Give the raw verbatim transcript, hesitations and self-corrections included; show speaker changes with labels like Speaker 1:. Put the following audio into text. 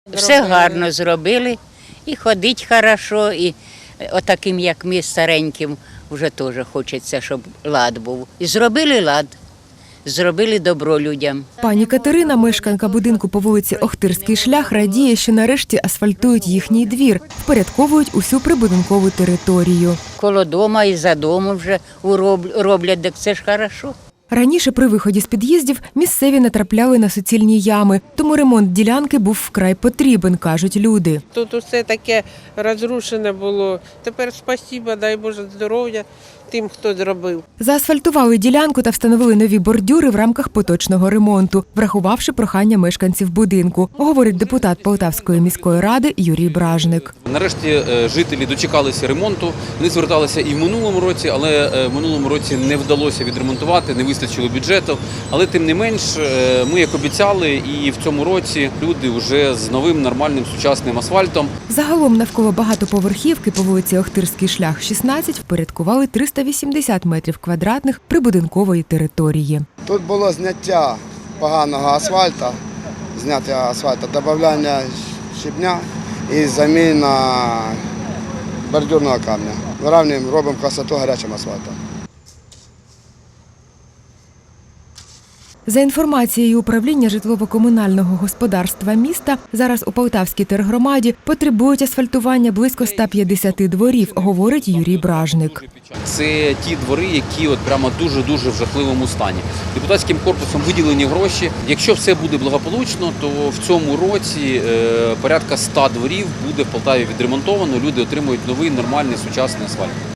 Speaker 1: Все гарно зробили, і ходить хорошо, і отаким, як ми, стареньким, вже теж хочеться, щоб лад був. І зробили лад, зробили добро людям.
Speaker 2: Пані Катерина, мешканка будинку по вулиці Охтирський шлях, радіє, що нарешті асфальтують їхній двір, впорядковують усю прибудинкову територію.
Speaker 1: Коло дома і за домом вже роблять, так це ж хорошо.
Speaker 2: Раніше при виході з під'їздів місцеві натрапляли на суцільні ями, тому ремонт ділянки був вкрай потрібен, кажуть люди.
Speaker 3: Тут усе таке розрушене було. Тепер спасіба, дай Боже здоров'я тим, хто зробив.
Speaker 2: Заасфальтували ділянку та встановили нові бордюри в рамках поточного ремонту, врахувавши прохання мешканців будинку, говорить депутат Полтавської міської ради Юрій Бражник.
Speaker 4: Нарешті жителі дочекалися ремонту. Вони зверталися і в минулому році, але в минулому році не вдалося відремонтувати, не вистачило бюджету. Але тим не менш, ми, як обіцяли, і в цьому році люди вже з новим нормальним сучасним асфальтом.
Speaker 2: Загалом навколо багатоповерхівки по вулиці Охтирський шлях, шістнадцять, впорядкували триста вісімдесят метрів квадратних прибудинкової території.
Speaker 5: Тут було зняття поганого асфальту, зняття асфальту, додавання щебня і заміна бордюрного камня. Вирівнюємо, робимо красоту гарячим асфальтом.
Speaker 2: За інформацією управління житлово-комунального господарства міста, зараз у Полтавській тергромаді потребують асфальтування близько ста п'ятдесяти дворів, говорить Юрій Бражник.
Speaker 4: Це ті двори, які от прямо дуже-дуже в жахливому стані. Депутатським корпусом виділені гроші. Якщо все буде благополучно, то в цьому році порядка ста дворів буде в Полтаві відремонтовано, люди отримують новий нормальний сучасний асфальт.